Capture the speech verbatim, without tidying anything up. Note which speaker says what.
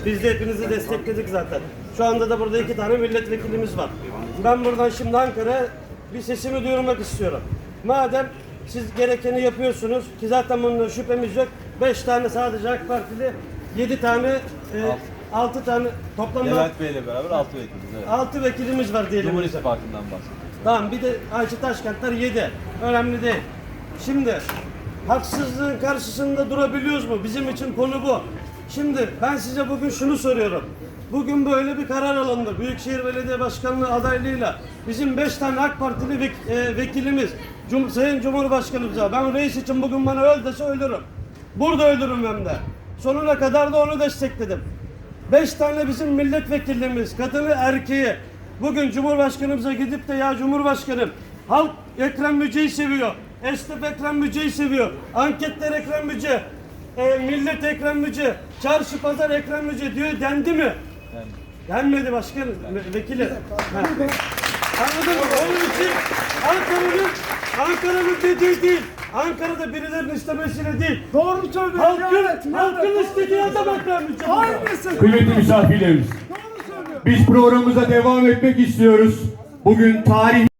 Speaker 1: Biz de hepinizi destekledik zaten. Şu anda da burada iki tane milletvekilimiz var. Ben buradan şimdi Ankara'ya bir sesimi duyurmak istiyorum. Madem siz gerekeni yapıyorsunuz ki zaten bunun şüphemiz yok. Beş tane sadece AK Partili, yedi tane, e, altı tane toplamda
Speaker 2: Levent Bey ile beraber altı vekiliz. Evet.
Speaker 1: altı vekilimiz var diyelim.
Speaker 2: Cumhur İttifakı'ndan bahsediyoruz.
Speaker 1: Tamam, bir de Ayşe Taşkentler yedi. Önemli değil. Şimdi haksızlığın karşısında durabiliyoruz mu? Bizim için konu bu. Şimdi ben size bugün şunu soruyorum. Bugün böyle bir karar alındı. Büyükşehir Belediye Başkanlığı adaylığıyla bizim beş tane AK Partili vek, e, vekilimiz Cum Sayın Cumhurbaşkanımıza ben reis için bugün bana öl dese ölürüm. Burada ölürüm hem de. Sonuna kadar da onu destekledim. Beş tane bizim milletvekilimiz, kadını erkeği bugün Cumhurbaşkanımıza gidip de ya Cumhurbaşkanım halk Ekrem Müce'yi seviyor. Esnaf Ekrem Müce'yi seviyor. Anketler Ekrem Müce. E, millet Ekrem Müce. Çarşı pazar Ekrem Müce diyor dendi mi? Yani. Denmedi başkanım, vekili. Anladın mı? Onun için Ankara'nın Ankara'nın dediği değil. Ankara'da birilerinin istemesiyle değil.
Speaker 3: Doğru söylüyor.
Speaker 1: Halkın,
Speaker 3: Evet,
Speaker 1: halkın
Speaker 3: evet,
Speaker 1: istediği adam Ekrem Müce.
Speaker 3: Aynısı.
Speaker 4: Kıymetli misafirlerimiz,
Speaker 3: Doğru söylüyor.
Speaker 4: biz programımıza devam etmek istiyoruz. Bugün tarih